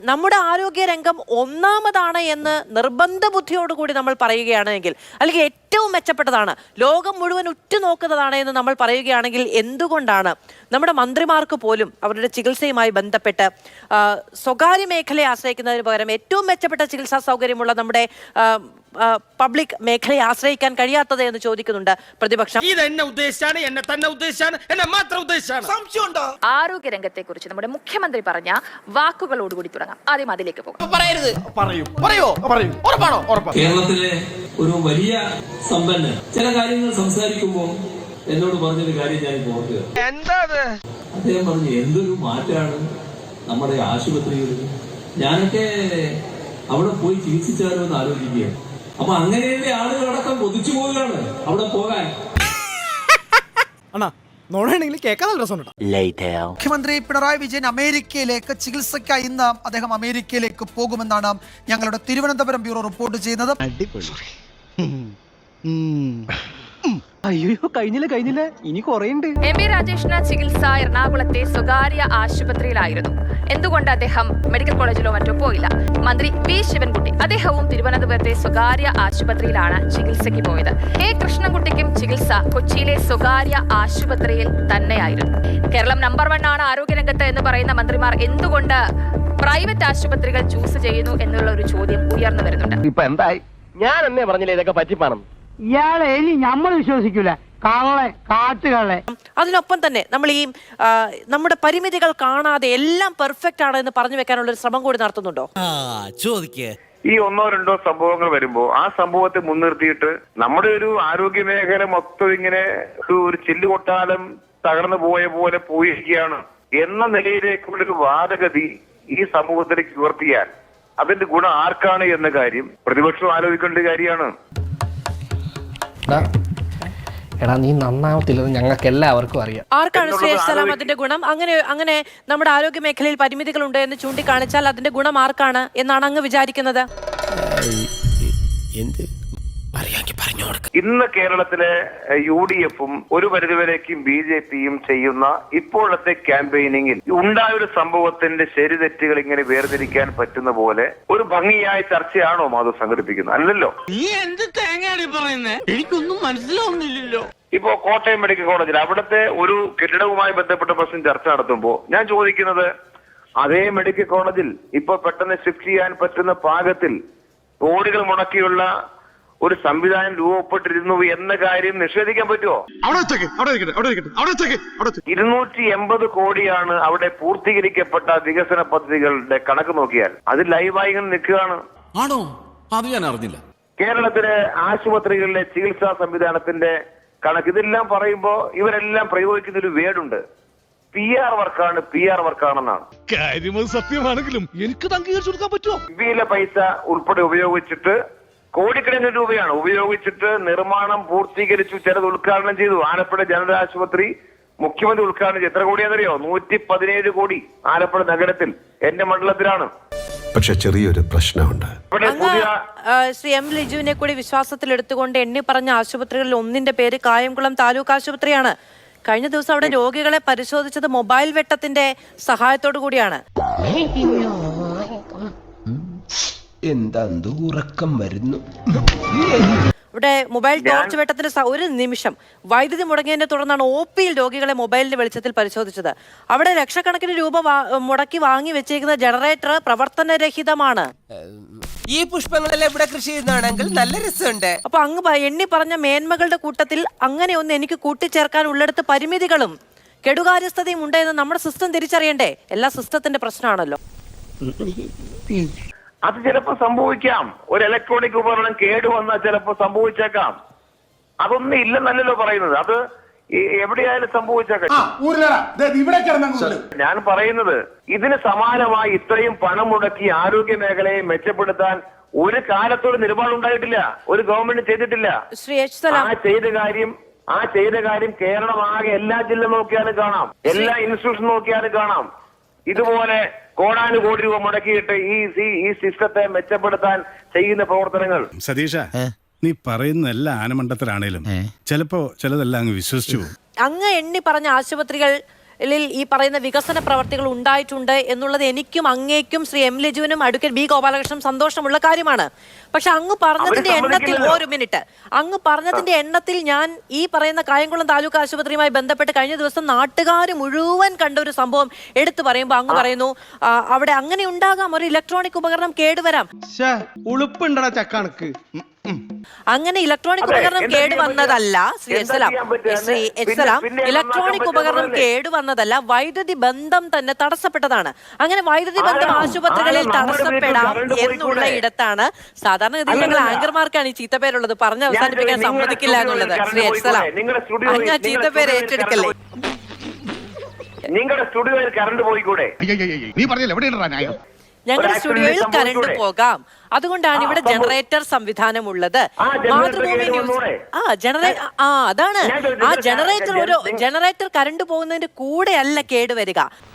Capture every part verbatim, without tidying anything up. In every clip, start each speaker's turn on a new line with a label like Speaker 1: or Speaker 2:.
Speaker 1: നമ്മുടെ ആരോഗ്യ രംഗം ഒന്നാമതാണ് എന്ന് നിർബന്ധ ബുദ്ധിയോടുകൂടി നമ്മൾ പറയുകയാണെങ്കിൽ, അല്ലെങ്കിൽ ഏറ്റവും മെച്ചപ്പെട്ടതാണ്, ലോകം മുഴുവൻ ഉറ്റുനോക്കുന്നതാണ് എന്ന് നമ്മൾ പറയുകയാണെങ്കിൽ, എന്തുകൊണ്ടാണ് നമ്മുടെ മന്ത്രിമാർക്ക് പോലും അവരുടെ ചികിത്സയുമായി ബന്ധപ്പെട്ട് സ്വകാര്യ മേഖലയെ ആശ്രയിക്കുന്നതിന് പകരം ഏറ്റവും മെച്ചപ്പെട്ട ചികിത്സാ സൗകര്യമുള്ള നമ്മുടെ പബ്ലിക് മേഖലയെ ആശ്രയിക്കാൻ കഴിയാത്തത് എന്ന് ചോദിക്കുന്നുണ്ട് പ്രതിപക്ഷം.
Speaker 2: ആരോഗ്യരംഗത്തെ കുറിച്ച് നമ്മുടെ മുഖ്യമന്ത്രി പറഞ്ഞ വാക്കുകളോടുകൂടി തുടങ്ങാം. ആദ്യം അതിലേക്ക് പോകാം.
Speaker 3: കേരളത്തിലെ ഒരു വലിയ സമ്പന്നൻ ചില കാര്യങ്ങൾ സംസാരിക്കുമ്പോൾ എന്നോട് പറഞ്ഞൊരു കാര്യം ഞാൻ ഓർക്കുക. അദ്ദേഹം പറഞ്ഞു, എന്തൊരു മാറ്റാണ് നമ്മുടെ ആശുപത്രികളിൽ. ഞാനൊക്കെ അവിടെ പോയി ചികിത്സിച്ചാലോ എന്ന് ആലോചിക്കുകയാണ്. അപ്പൊ അങ്ങനെയുള്ള ആളുകളടക്കം കൊതിച്ചു പോവുകയാണ് അവിടെ പോകാൻ.
Speaker 4: മുഖ്യമന്ത്രി പിണറായി വിജയൻ അമേരിക്കയിലേക്ക് ചികിത്സയ്ക്കായി ഇന്ന് അദ്ദേഹം അമേരിക്കയിലേക്ക് പോകുമെന്നാണ് ഞങ്ങളുടെ തിരുവനന്തപുരം ബ്യൂറോ റിപ്പോർട്ട് ചെയ്യുന്നത്.
Speaker 5: അയ്യോ, കഴിഞ്ഞില്ല കഴിഞ്ഞില്ല ഇനി കുറേയുണ്ട്.
Speaker 2: എം വി രാജേഷിന് ചികിത്സ എറണാകുളത്തെ സ്വകാര്യ ആശുപത്രിയിലായിരുന്നു. എന്തുകൊണ്ട് അദ്ദേഹം മെഡിക്കൽ കോളേജിലോ മറ്റോ പോയില്ല? മന്ത്രി വി ശിവൻകുട്ടി അദ്ദേഹവും തിരുവനന്തപുരത്തെ സ്വകാര്യ ആശുപത്രിയിലാണ് ചികിത്സയ്ക്ക് പോയത്. എ കൃഷ്ണൻകുട്ടിക്കും ചികിത്സ കൊച്ചിയിലെ സ്വകാര്യ ആശുപത്രിയിൽ തന്നെയായിരുന്നു. കേരളം നമ്പർ വൺ ആണ് ആരോഗ്യരംഗത്ത് എന്ന് പറയുന്ന മന്ത്രിമാർ എന്തുകൊണ്ട് പ്രൈവറ്റ് ആശുപത്രികൾ ചൂസ് ചെയ്യുന്നു എന്നുള്ള ഒരു ചോദ്യം ഉയർന്നു വരുന്നുണ്ട്.
Speaker 5: ഇപ്പൊ എന്തായി? ഞാൻ എന്നേ പറഞ്ഞില്ലേ ഇതൊക്കെ പറ്റിപ്പാണെന്ന്.
Speaker 6: ഇയാളെ ഇനി നമ്മൾ വിശ്വസിക്കൂല. കള്ളെ കാട്ടുകളെ.
Speaker 1: അതിനൊപ്പം തന്നെ നമ്മൾ ഈ നമ്മുടെ പരിമിതികൾ കാണാതെ എല്ലാം പെർഫെക്റ്റ് ആണ് എന്ന് പറഞ്ഞു വെക്കാനുള്ള ഒരു ശ്രമം കൂടി നടത്തുന്നുണ്ടോ?
Speaker 7: ഈ ഒന്നോ രണ്ടോ സംഭവങ്ങൾ വരുമ്പോ ആ സംഭവത്തെ മുൻനിർത്തിയിട്ട് നമ്മുടെ ഒരു ആരോഗ്യ മേഖല മൊത്തം ഇങ്ങനെ ഒരു ചില്ലുകൊട്ടാലം തകർന്നു പോയ പോലെ പോയിരിക്കുകയാണ് എന്ന നിലയിലേക്കുള്ളൊരു വാദഗതി ഈ സമൂഹത്തിലേക്ക് ഉയർത്തിയാൽ അതിന്റെ ഗുണം ആർക്കാണ് എന്ന കാര്യം പ്രതിപക്ഷം ആലോചിക്കേണ്ട കാര്യമാണ്.
Speaker 5: എടാ, നീ നന്നാവത്തില്ലെന്ന് ഞങ്ങൾക്ക് എല്ലാവർക്കും അറിയാം.
Speaker 1: ആർക്കാണ് ശ്രേയസ് സലാം അതിന്റെ ഗുണം? അങ്ങനെ അങ്ങനെ നമ്മുടെ ആരോഗ്യ മേഖലയിൽ പരിമിതികളുണ്ട് എന്ന് ചൂണ്ടിക്കാണിച്ചാൽ അതിന്റെ ഗുണം ആർക്കാണ് എന്നാണ് അങ്ങ് വിചാരിക്കുന്നത്?
Speaker 7: ഇന്ന് കേരളത്തിലെ യു ഡി എഫും ഒരു പരിധിവരേക്കും ബി ജെ പിയും ചെയ്യുന്ന ഇപ്പോഴത്തെ ക്യാമ്പയിനിങ്ങിൽ ഉണ്ടായൊരു സംഭവത്തിന്റെ ശരിതെറ്റുകൾ ഇങ്ങനെ വേർതിരിക്കാൻ പറ്റുന്ന പോലെ ഒരു ഭംഗിയായ ചർച്ചയാണോ മാധവ് സംഘടിപ്പിക്കുന്നത്? അല്ലല്ലോ.
Speaker 8: നീ എന്ത് തേങ്ങയാണ് പറയുന്നേ? എനിക്കൊന്നും മനസ്സിലാവുന്നില്ലല്ലോ.
Speaker 7: ഇപ്പോ കോട്ടയം മെഡിക്കൽ കോളേജിൽ അവിടുത്തെ ഒരു കെട്ടിടവുമായി ബന്ധപ്പെട്ട പ്രശ്നം ചർച്ച നടത്തുമ്പോൾ ഞാൻ ചോദിക്കുന്നത്, അതേ മെഡിക്കൽ കോളേജിൽ ഇപ്പൊ പെട്ടെന്ന് ഷിഫ്റ്റ് ചെയ്യാൻ പറ്റുന്ന പാകത്തിൽ കോടികൾ മുടക്കിയുള്ള ഒരു സംവിധാനം രൂപപ്പെട്ടിരുന്നു എന്ന കാര്യം നിഷേധിക്കാൻ പറ്റുമോ? ഇരുന്നൂറ്റി എൺപത് കോടിയാണ് അവിടെ പൂർത്തീകരിക്കപ്പെട്ട വികസന പദ്ധതികളുടെ കണക്ക് നോക്കിയാൽ. അത് ലൈവായി ഇങ്ങനെ നിൽക്കുകയാണ്.
Speaker 8: ആണോ? അത് ഞാൻ അറിഞ്ഞില്ല.
Speaker 7: കേരളത്തിലെ ആശുപത്രികളിലെ ചികിത്സാ സംവിധാനത്തിന്റെ കണക്ക് ഇതെല്ലാം പറയുമ്പോ ഇവരെല്ലാം പ്രയോഗിക്കുന്ന ഒരു വേർഡുണ്ട്, പി ആർ വർക്കാണ്, പി ആർ വർക്കാണെന്നാണ്.
Speaker 8: കാര്യം സത്യമാണെങ്കിലും എനിക്ക് അംഗീകരിച്ചു കൊടുക്കാൻ പറ്റുമോ?
Speaker 7: ഇന്ത്യയിലെ പൈസ ഉൾപ്പെടെ ഉപയോഗിച്ചിട്ട് കോടിക്കണക്കിന് രൂപയാണ് ഉപയോഗിച്ചിട്ട് നിർമ്മാണം പൂർത്തീകരിച്ചു, ചിലത് ഉദ്ഘാടനം ചെയ്തു. ആലപ്പുഴ ജനറൽ ആശുപത്രി മുഖ്യമന്ത്രി ഉദ്ഘാടനം ചെയ്തു. എത്ര കോടിയാണെന്നറിയോ? നൂറ്റി പതിനേഴ് കോടി ആലപ്പുഴ നഗരത്തിൽ, എന്റെ മണ്ഡലത്തിലാണ്.
Speaker 9: പക്ഷെ ചെറിയൊരു പ്രശ്നമുണ്ട്.
Speaker 1: ശ്രീ എം ലിജുവിനെ കൂടി വിശ്വാസത്തിൽ എടുത്തുകൊണ്ട് എണ്ണി പറഞ്ഞ ആശുപത്രികളിൽ ഒന്നിന്റെ പേര് കായംകുളം താലൂക്ക് ആശുപത്രിയാണ്. കഴിഞ്ഞ ദിവസം അവിടെ രോഗികളെ പരിശോധിച്ചത് മൊബൈൽ വെട്ടത്തിന്റെ സഹായത്തോടു കൂടിയാണ്.
Speaker 5: എന്താ ഉറക്കം വരുന്നു?
Speaker 1: ഇവിടെ മൊബൈൽ ടോർച്ച് വെട്ടത്തിന്റെ ഒരു നിമിഷം വൈദ്യുതി മുടങ്ങിയതിനെ തുടർന്നാണ് ഒ പിയിൽ രോഗികളെ മൊബൈലിന്റെ വെളിച്ചത്തിൽ പരിശോധിച്ചത്. അവിടെ ലക്ഷക്കണക്കിന് രൂപ മുടക്കി വാങ്ങി വെച്ചിരിക്കുന്ന ജനറേറ്റർ പ്രവർത്തനരഹിതമാണ്.
Speaker 10: ഈ പുഷ്പങ്ങളെല്ലാം ഇവിടെ കൃഷി ചെയ്യുന്നതാണെങ്കിൽ നല്ല രസമുണ്ട്.
Speaker 1: അപ്പൊ അങ്ങ് എണ്ണി പറഞ്ഞ മേന്മകളുടെ കൂട്ടത്തിൽ അങ്ങനെ ഒന്ന് എനിക്ക് കൂട്ടിച്ചേർക്കാൻ ഉള്ളിടത്ത് പരിമിതികളും കെടുകാര്യസ്ഥതയും ഉണ്ടെന്ന് നമ്മുടെ സിസ്റ്റം തിരിച്ചറിയണ്ടേ? എല്ലാ സിസ്റ്റത്തിന്റെ പ്രശ്നമാണല്ലോ.
Speaker 7: അത് ചിലപ്പോൾ സംഭവിക്കാം. ഒരു ഇലക്ട്രോണിക് ഉപകരണം കേടുവന്നാൽ ചിലപ്പോൾ സംഭവിച്ചേക്കാം. അതൊന്നും ഇല്ലെന്നല്ലല്ലോ പറയുന്നത്. അത് എവിടെയായാലും സംഭവിച്ചേക്കാം. ഞാൻ പറയുന്നത് ഇതിന് സമാനമായി ഇത്രയും പണം മുടക്കി ആരോഗ്യ മേഖലയെ മെച്ചപ്പെടുത്താൻ ഒരു കാലത്തോട് നിലപാടുണ്ടായിട്ടില്ല, ഒരു ഗവൺമെന്റ് ചെയ്തിട്ടില്ല. ആ ചെയ്ത കാര്യം ആ ചെയ്ത കാര്യം കേരളം ആകെ എല്ലാ ജില്ല നോക്കിയാലും കാണാം, എല്ലാ ഇൻസ്റ്റിറ്റ്യൂഷൻ നോക്കിയാലും കാണാം. ഇതുപോലെ കോടാനുകോടി രൂപ മുടക്കിയിട്ട് ഈ ഈ സിസ്റ്റത്തെ മെച്ചപ്പെടുത്താൻ ചെയ്യുന്ന പ്രവർത്തനങ്ങൾ.
Speaker 9: സതീഷ, നീ പറയുന്ന എല്ലാ ആനമണ്ടത്തിലാണേലും ചിലപ്പോ ചിലതെല്ലാം അങ്ങ് വിശ്വസിച്ചു പോകും.
Speaker 1: അങ്ങ് എണ്ണി പറഞ്ഞ ആശുപത്രികൾ ഈ പറയുന്ന വികസന പ്രവർത്തികൾ ഉണ്ടായിട്ടുണ്ട് എന്നുള്ളത് എനിക്കും അങ്ങേക്കും ശ്രീ എം ലിജുവിനും അഡ്വക്കേറ്റ് ബി ഗോപാലകൃഷ്ണൻ സന്തോഷമുള്ള കാര്യമാണ്. പക്ഷെ അങ്ങ് പറഞ്ഞതിന്റെ എണ്ണത്തിൽ ഒരു മിനിറ്റ് അങ്ങ് പറഞ്ഞതിന്റെ എണ്ണത്തിൽ ഞാൻ ഈ പറയുന്ന കായംകുളം താലൂക്ക് ആശുപത്രിയുമായി ബന്ധപ്പെട്ട് കഴിഞ്ഞ ദിവസം നാട്ടുകാർ മുഴുവൻ കണ്ട ഒരു സംഭവം എടുത്തു പറയുമ്പോൾ അങ്ങ് പറയുന്നു അവിടെ അങ്ങനെ ഉണ്ടാകാം, ഒരു ഇലക്ട്രോണിക് ഉപകരണം കേടുവരാം.
Speaker 8: ഉളുപ്പുണ്ടടാ ചക്കാണക്ക്.
Speaker 1: അങ്ങനെ ഇലക്ട്രോണിക് ഉപകരണം കേടുവന്നതല്ല ശ്രീ എസ്സലാം ശ്രീ എസ്സലാം ഇലക്ട്രോണിക് ഉപകരണം കേടുവന്നതല്ല, വൈദ്യുതി ബന്ധം തന്നെ തടസ്സപ്പെട്ടതാണ്. അങ്ങനെ വൈദ്യുതി ബന്ധം ആശുപത്രികളിൽ തടസ്സപ്പെടാം എന്നുള്ള ഇടത്താണ് സാധാരണഗതിയിൽ ഞങ്ങൾ ആങ്കർമാർക്കാണ് ഈ ചീത്തപ്പേരുള്ളത്, പറഞ്ഞ് അവസാനിപ്പിക്കാൻ സമ്മതിക്കില്ല എന്നുള്ളത്. ശ്രീ എസ്സലാം അങ്ങ് ചീത്തപ്പേര് ഏറ്റെടുക്കല്ലേ?
Speaker 7: നിങ്ങളുടെ സ്റ്റുഡിയോയിൽ കറണ്ട് പോയിക്കൂടെ?
Speaker 9: നീ പറഞ്ഞില്ല എവിടെയാണ്?
Speaker 1: ഞങ്ങളുടെ സ്റ്റുഡിയോയിൽ കറണ്ട് പോകാം, അതുകൊണ്ടാണ് ഇവിടെ ജനറേറ്റർ സംവിധാനം ഉള്ളത്. മാതൃഭൂമി ന്യൂസ് ആ ജനറേ ആ അതാണ് ആ ജനറേറ്റർ ഒരു ജനറേറ്റർ കറണ്ട് പോകുന്നതിന്റെ കൂടെ അല്ല കേടുവരിക.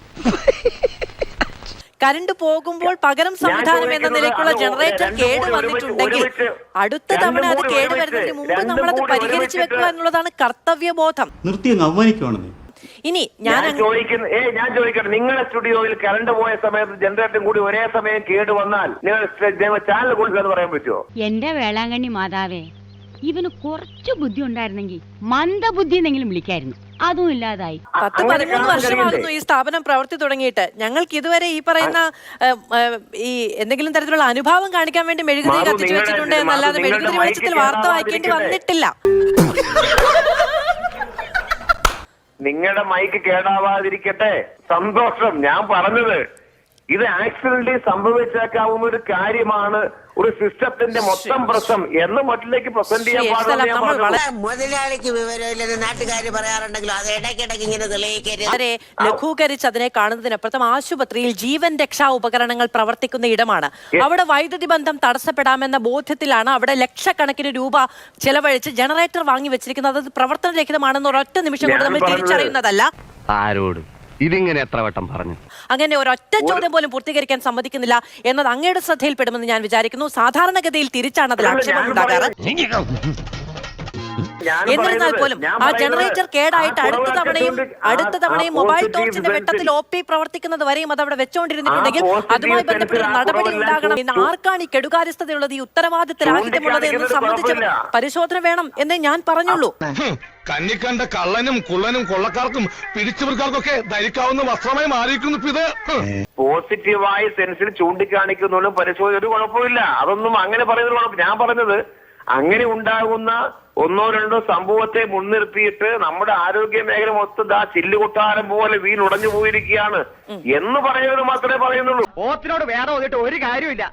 Speaker 1: കറണ്ട് പോകുമ്പോൾ പകരം സംവിധാനം എന്ന നിലയ്ക്കുള്ള ജനറേറ്റർ കേട് വന്നിട്ടുണ്ടെങ്കിൽ അടുത്ത തവണ അത് കേടുവരുന്നതിന് മുമ്പ് നമ്മളത് പരിഹരിച്ചു വെക്കുക എന്നുള്ളതാണ് കർത്തവ്യബോധം.
Speaker 11: നിർത്തി അവമാനിക്കുവാണെന്ന്.
Speaker 1: ഇനി ഞാൻ
Speaker 7: ചോദിക്കുന്ന ഏ ഞാൻ ചോദിക്കട്ടെ, നിങ്ങളുടെ സ്റ്റുഡിയോയിൽ കറണ്ട് പോയ സമയത്ത് ജനറേറ്ററും കൂടി ഒരേ സമയം കേട് വന്നാൽ നിങ്ങൾ ചാനൽ കൊടുക്കുക പറയാൻ പറ്റുമോ?
Speaker 12: എന്റെ വേളാങ്കണ്ണി മാതാവേ, ഇവന് കുറച്ചു ബുദ്ധി ഉണ്ടായിരുന്നെങ്കിൽ മന്ദബുദ്ധി എന്നെങ്കിലും വിളിക്കായിരുന്നു. അതും ഇല്ലാതായി.
Speaker 1: പത്ത് പതിമൂന്ന് വർഷമാകുന്നു ഈ സ്ഥാപനം പ്രവർത്തി തുടങ്ങിയിട്ട്. ഞങ്ങൾക്ക് ഇതുവരെ ഈ പറയുന്ന ഈ എന്തെങ്കിലും തരത്തിലുള്ള അനുഭാവം കാണിക്കാൻ വേണ്ടി മെഴുകുതിരി കത്തിച്ചു വെച്ചിട്ടുണ്ട് എന്നല്ലാതെ മെഴുകുതിരി വെളിച്ചത്തിൽ വാർത്ത വായിക്കേണ്ടി വന്നിട്ടില്ല.
Speaker 7: നിങ്ങളുടെ മൈക്ക് കേടാവാതിരിക്കട്ടെ, സന്തോഷം. ഞാൻ പറഞ്ഞത് ഇത് ആക്സിഡന്റലി സംഭവിച്ചേക്കാവുന്ന ഒരു കാര്യമാണ്, ഒരു സിസ്റ്റത്തിന്റെ മൊത്തം പ്രശ്നം എന്ന മട്ടിലേക്ക് പ്രസന്റ് ചെയ്യാൻ പാടില്ല.
Speaker 10: മുതലാളിക്ക് വിവരമില്ലെന്ന് നാട്ടുകാർ പറയാറുണ്ടെങ്കിലും അത് ഇടയ്ക്കിടയ്ക്ക് ഇങ്ങനെ തെളിയിക്കരുത്.
Speaker 1: ലഘൂകരിച്ച് അതിനെ കാണുന്നതിനപ്പുറത്തും ആശുപത്രിയിൽ ജീവൻ രക്ഷാ ഉപകരണങ്ങൾ പ്രവർത്തിക്കുന്ന ഇടമാണ്. അവിടെ വൈദ്യുതി ബന്ധം തടസ്സപ്പെടാമെന്ന ബോധ്യത്തിലാണ് അവിടെ ലക്ഷക്കണക്കിന് രൂപ ചെലവഴിച്ച് ജനറേറ്റർ വാങ്ങി വെച്ചിരിക്കുന്നത്. അത് പ്രവർത്തനരഹിതമാണെന്ന് ഒരൊറ്റ നിമിഷം കൊണ്ട് നമ്മൾ തിരിച്ചറിയുന്നതല്ല.
Speaker 11: ആരോട് ഇതിങ്ങനെ എത്ര വട്ടം പറഞ്ഞു?
Speaker 1: അങ്ങനെ ഒരൊറ്റ ചോദ്യം പോലും പൂർത്തീകരിക്കാൻ സമ്മതിക്കുന്നില്ല എന്നത് അങ്ങയുടെ ശ്രദ്ധയിൽപ്പെടുമെന്ന് ഞാൻ വിചാരിക്കുന്നു. സാധാരണഗതിയിൽ തിരിച്ചാണ് അതിൽ ആക്ഷേപം ഉണ്ടാകാറ്. എന്നിരുന്നാൽ പോലും ആ ജനറേറ്റർ കേടായിട്ട് അടുത്ത തവണയും അടുത്ത തവണയും മൊബൈൽ ടോർച്ചിന്റെ വെട്ടത്തിൽ ഒ പി പ്രവർത്തിക്കുന്നത് വരെയും അത് അവിടെ വെച്ചുകൊണ്ടിരുന്നിട്ടുണ്ടെങ്കിൽ അതുമായി ബന്ധപ്പെട്ട നടപടി ഉണ്ടാകണം എന്ന് ആർക്കാണ് ഈ കെടുകാര്യസ്ഥതയുള്ളത്, ഈ ഉത്തരവാദിത്തരാഹിത്യമുള്ളത് എന്ന് സംബന്ധിച്ച് പരിശോധന വേണം എന്നേ ഞാൻ പറഞ്ഞുള്ളൂ.
Speaker 9: കന്നിക്കണ്ട കള്ളനും കുള്ളനും കൊള്ളക്കാർക്കും പിടിച്ചവർക്കാർക്കൊക്കെ ധരിക്കാവുന്ന വസ്ത്രമായി മാറിയിരിക്കുന്നു ഇത്.
Speaker 7: പോസിറ്റീവായ സെൻസിൽ ചൂണ്ടിക്കാണിക്കുന്നതിലും പരിശോധന ഒരു കുഴപ്പമില്ല. അതൊന്നും അങ്ങനെ പറയുന്നത് കുഴപ്പം. ഞാൻ പറഞ്ഞത് അങ്ങനെ ഉണ്ടാകുന്ന ഒന്നോ രണ്ടോ സംഭവത്തെ മുൻനിർത്തിയിട്ട് നമ്മുടെ ആരോഗ്യ മേഖല മൊത്തം ആ ചില്ലുകൊട്ടാരം പോലെ വീണുടഞ്ഞു പോയിരിക്കുകയാണ് എന്ന് പറയുന്നത് മാത്രമേ പറയുന്നുള്ളൂ.
Speaker 6: ഓത്തിനോട് വേറെ വന്നിട്ട് ഒരു കാര്യമില്ല.